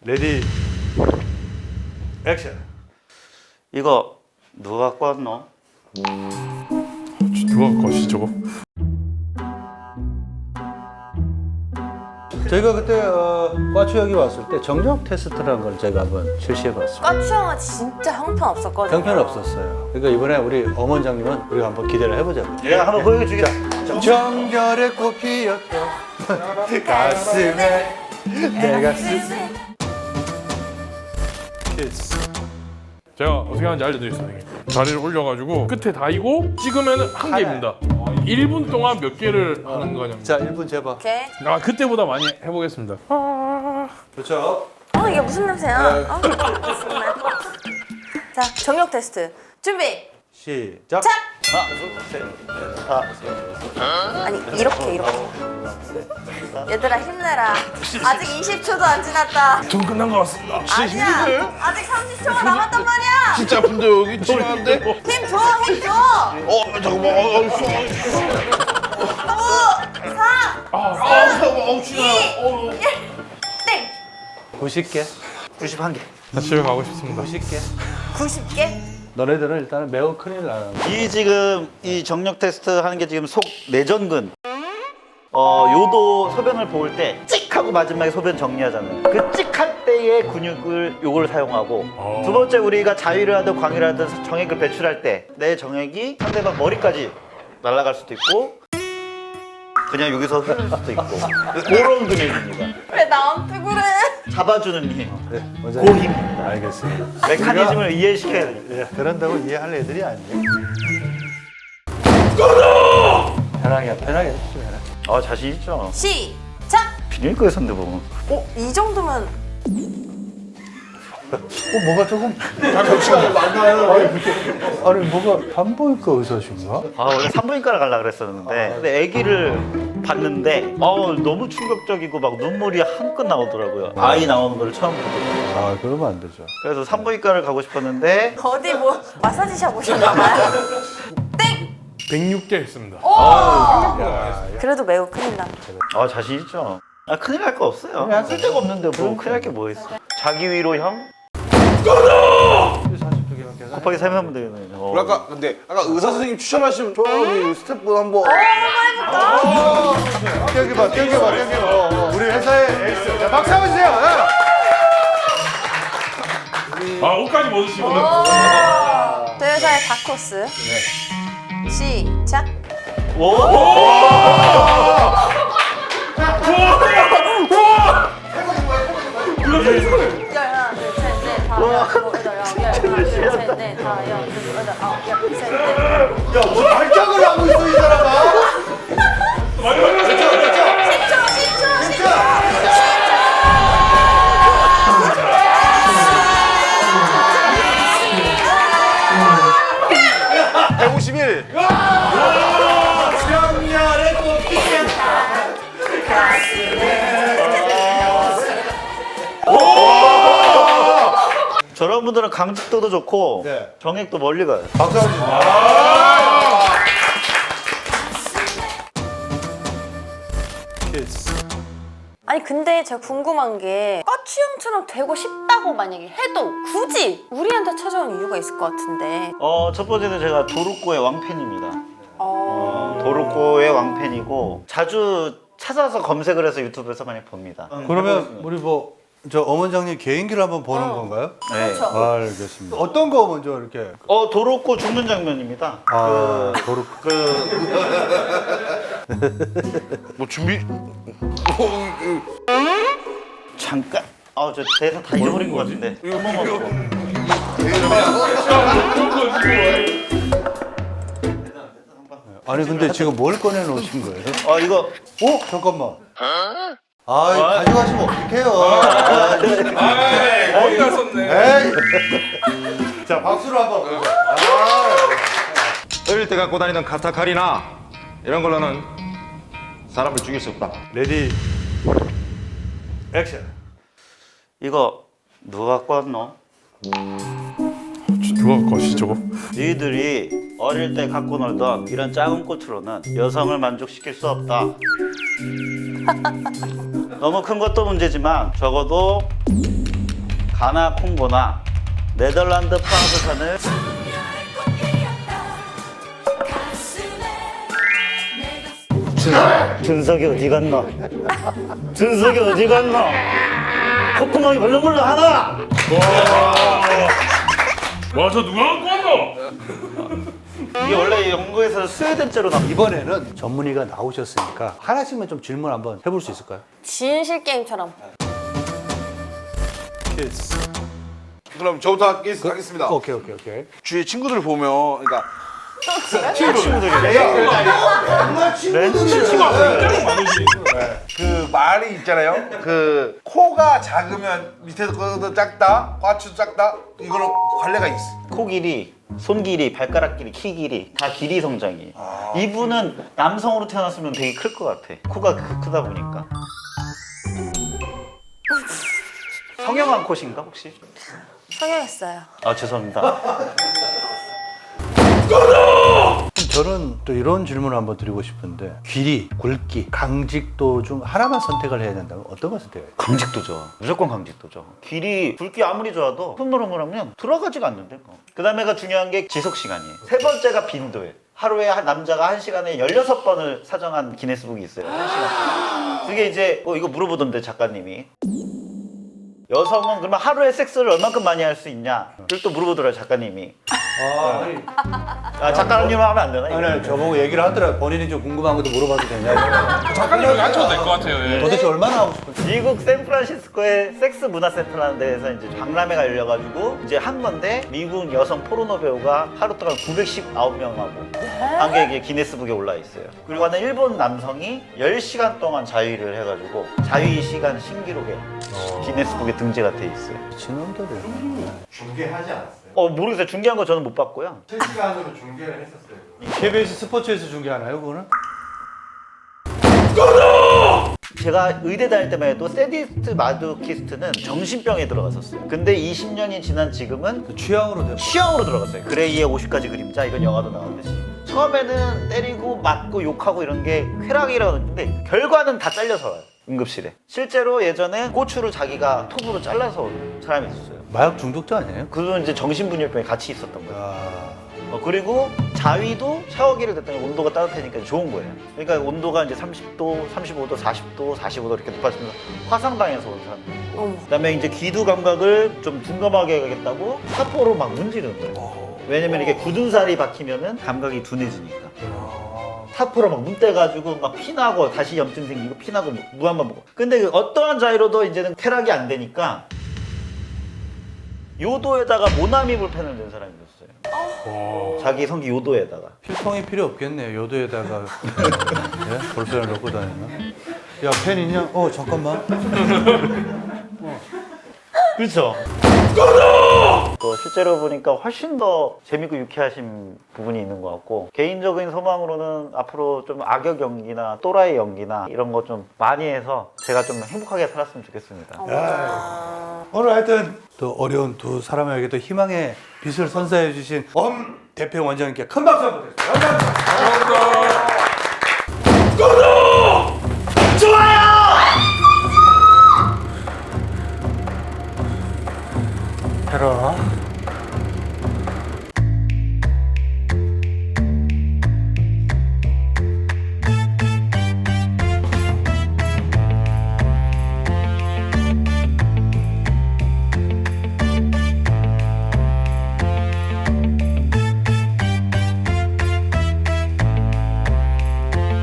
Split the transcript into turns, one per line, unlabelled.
레디 액션.
이거 누가 갖고 왔노?
누가 갖고 왔지 저거?
저희가 그때 과추 여기 왔을 때 정력 테스트라는 걸 저희가 한번 실시해봤습니다.
까추형은 진짜 형편없었거든요.
형편없었어요. 그러니까 이번에 우리 엄원장님은 우리가 한번 기대를 해보자고요.
내가 한번 보여주겠다.
정열에 꽃 피었던 가슴에 내가 키스.
제가 어떻게 하는지 알려드리겠습니다. 선생님. 다리를 올려가지고 끝에 다이고 찍으면 한 개입니다. 1분 동안 몇 개를 하는 거냐면.
자, 1분 재봐.
오케이.
그때보다 많이 해보겠습니다.
그렇죠.
이게 무슨 냄새야? 자, 정력 테스트 준비.
시작.
자.
아,
아니 이렇게. 얘들아 힘내라. 아직 20초도 안 지났다.
전 끝난 것 같습니다.
아니야. 아직 30초가 남았단 말이야.
진짜 아픈데 여기 치료한데?
힘 줘, 힘 줘.
잠깐만.
5, 4,
잠깐만. 치료.
1, 땡.
90개.
91개.
나 집에 가고 싶습니다.
90개.
90개.
너네들은 일단은 매우 큰일 나는 거야.
이 지금 이 정력 테스트 하는 게 지금 속 내전근. 요도 소변을 볼 때 찍 하고 마지막에 소변 정리하잖아요. 그 찍할 때의 근육을 요걸 사용하고 두 번째 우리가 자위를 하든 광위를 하든 정액을 배출할 때 내 정액이 상대방 머리까지 날아갈 수도 있고 그냥 여기서 흐를 수도 있고 그런 근육입니다.
왜 나한테 그래?
잡아주는 힘,
그래,
그
원장님.
힘입니다.
알겠습니다.
메커니즘을 이해시켜야 돼요.
예, 그런다고 이해할 애들이 아니에요. 편하게 해주시면 해라.
자신 있죠.
시작.
비닐거에 선데 보면
이 정도면
뭐가 조금
시간이 많나요?
아니 뭐가 산부인과 의사신가?
원래 산부인과를 가려고 그랬었는데 근데 아기를 봤는데 너무 충격적이고 막 눈물이 한껏 나오더라고요. 아이 나오는 걸 처음 보고
아 그러면 안 되죠.
그래서 산부인과를 가고 싶었는데
어디 뭐 마사지샵 오셨나봐요. 땡.
106개 했습니다.
그래도 매우 큰일 나.
자신 있죠. 큰일 날 거 없어요. 쓸데가 없는데 뭐 큰일 날 게 뭐 있어. 자기 위로 형
42개밖에 안
곱하기 3 하면 되겠네요.
근데 아까 의사 선생님 추천하시면 좋아요. 우리 스태프분 한번.
땡겨봐. 우리 회사의 에이스. 자, 박수 한번 주세요.
옷까지 벗으시고.
저희 회사의 다코스. 시작. 하나, 둘, 셋, 넷, 다, 여, 둘, 셋, 넷, 다, 여, 둘, 여덟, 아홉, 열, 셋, 넷. 야,
뭐 발작을 하고 있어 이 사람아.
10초.
151.
정열에 꽃 피었다.
저런 분들은 강직도도 좋고
네.
정액도 멀리 가요.
박수 한번 주세요.
아니 근데 제가 궁금한 게 까추형처럼 되고 싶다고 만약에 해도 굳이 우리한테 찾아온 이유가 있을 것 같은데.
첫 번째는 제가 도루코의 왕팬입니다. 도루코의 왕팬이고 자주 찾아서 검색을 해서 유튜브에서 많이 봅니다.
그러면 우리 뭐 저 엄원장님 개인기를 한번 보는 건가요?
네.
그렇죠.
알겠습니다. 어떤 거 먼저 이렇게?
도루코 죽는 장면입니다.
도로.
뭐 준비?
잠깐. 저 대사 다 잊어버린 것 같은데.
아니 근데 지금 뭘 꺼내 놓으신 거예요?
이거
잠깐만. 가져가시면 어떡해요?
거기다 썼네.
에이. 자 박수로 한번.
어릴 때 갖고 다니던 카타카리나 이런 걸로는 사람을 죽일 수 없다.
레디 액션.
이거 누가 갖고 왔노?
누가 갖고 왔지 저거?
너희들이 어릴 때 갖고 놀던 이런 작은 꽃으로는 여성을 만족시킬 수 없다. 너무 큰 것도 문제지만 적어도 가나 콩고나 네덜란드 프랑스산을 준석이 어디 갔나? 준석이 어디 갔나? 콧구멍이 벌렁벌렁 하나!
와, 저 누가 갖고 왔노?
이게 원래 영국에서 스웨덴제로 나온
이번에는 전문의가 나오셨으니까 하나씩만 좀 질문 한번 해볼 수 있을까요?
진실 게임처럼.
그럼 저부터 하겠습니다.
오케이.
주위에 친구들 보면, 그러니까 그 말이 있잖아요. 그 코가 작으면 밑에 것도 작다, 과추도 작다. 이거는 관례가 있어.
코 길이, 손 길이, 발가락 길이, 키 길이 다 길이 성장이에요. 이분은 남성으로 태어났으면 되게 클 것 같아. 코가 크다 보니까. 성형한 콧인가 혹시?
성형했어요.
아 죄송합니다.
저는 또 이런 질문을 한번 드리고 싶은데 길이, 굵기, 강직도 중 하나만 선택을 해야 된다면 어떤 걸 선택해요?
강직도죠. 무조건 강직도죠. 길이, 굵기 아무리 좋아도 손 노릇노릇하면 들어가지가 않는데. 그 다음에가 중요한 게 지속 시간이에요. 세 번째가 빈도예요. 하루에 남자가 1시간에 16번을 사정한 기네스북이 있어요. 1시간. 그게 이제 이거 물어보던데 작가님이. 여성은 그러면 하루에 섹스를 얼만큼 많이 할 수 있냐? 를 또 물어보더라고요 작가님이. 작가님은 하면 안 되나? 이거?
아니, 저보고 얘기를 하더라고요. 본인이 좀 궁금한 것도 물어봐도 되냐.
작가님 여기 앉혀도 될 것 같아요. 예.
도대체 얼마나 하고 싶은지.
미국 샌프란시스코에 섹스 문화 센터라는 데에서 이제 박람회가 열려가지고 이제 한 건데 미국 여성 포르노 배우가 하루 동안 919명하고 한 게 이게 기네스북에 올라 있어요. 그리고 하는 일본 남성이 10시간 동안 자위를 해가지고 자위 시간 신기록에 기네스북에 등재가 돼 있어요.
미친놈들을.
중계하지 않았어요?
모르겠어요. 중계한 거 저는 못 봤고요.
실시간으로 중계를 했었어요.
KBS 스포츠에서 중계하나요, 그거는?
제가 의대 다닐 때만 해도 세디스트 마두키스트는 정신병에 들어갔었어요. 근데 20년이 지난 지금은
취향으로 돼.
취향으로 들어갔어요. 그레이의 50가지 그림자 이건 영화도 나왔듯이 처음에는 때리고 맞고 욕하고 이런 게 쾌락이라고 했는데 결과는 다 잘려서 와요. 응급실에. 실제로 예전에 고추를 자기가 톱으로 잘라서 온 사람이 있었어요.
마약 중독자 아니에요?
그건 이제 정신분열병이 같이 있었던 거예요.
아,
그리고 자위도 샤워기를 댔더니 온도가 따뜻하니까 좋은 거예요. 그러니까 온도가 이제 30도, 35도, 40도, 45도 이렇게 높아지면서 화상당해서 온 사람들.
어머.
그다음에 이제 귀두 감각을 좀 둔감하게 하겠다고 사포로 막 문지르는 거예요. 왜냐면 이게 굳은 살이 박히면은 감각이 둔해지니까. 사포로 막 문대가지고 막 피나고 다시 염증 생기고 피나고 무한반 먹고. 근데 그 어떠한 자위로도 이제는 쾌락이 안 되니까 요도에다가 모나미 볼펜을 낸 사람이 있었어요. 자기 성기 요도에다가.
필통이 필요 없겠네요. 요도에다가 예? 볼펜을 넣고 다니나? 야, 펜 있냐? 잠깐만.
그렇죠. 또 실제로 보니까 훨씬 더 재밌고 유쾌하신 부분이 있는 것 같고 개인적인 소망으로는 앞으로 좀 악역 연기나 또라이 연기나 이런 거 좀 많이 해서 제가 좀 행복하게 살았으면 좋겠습니다.
오늘 하여튼 또 어려운 두 사람에게도 희망의 빛을 선사해 주신 엄 대표 원장님께 큰 박수 한번 드리겠습니다. 감사합니다.
좋아요!
해라.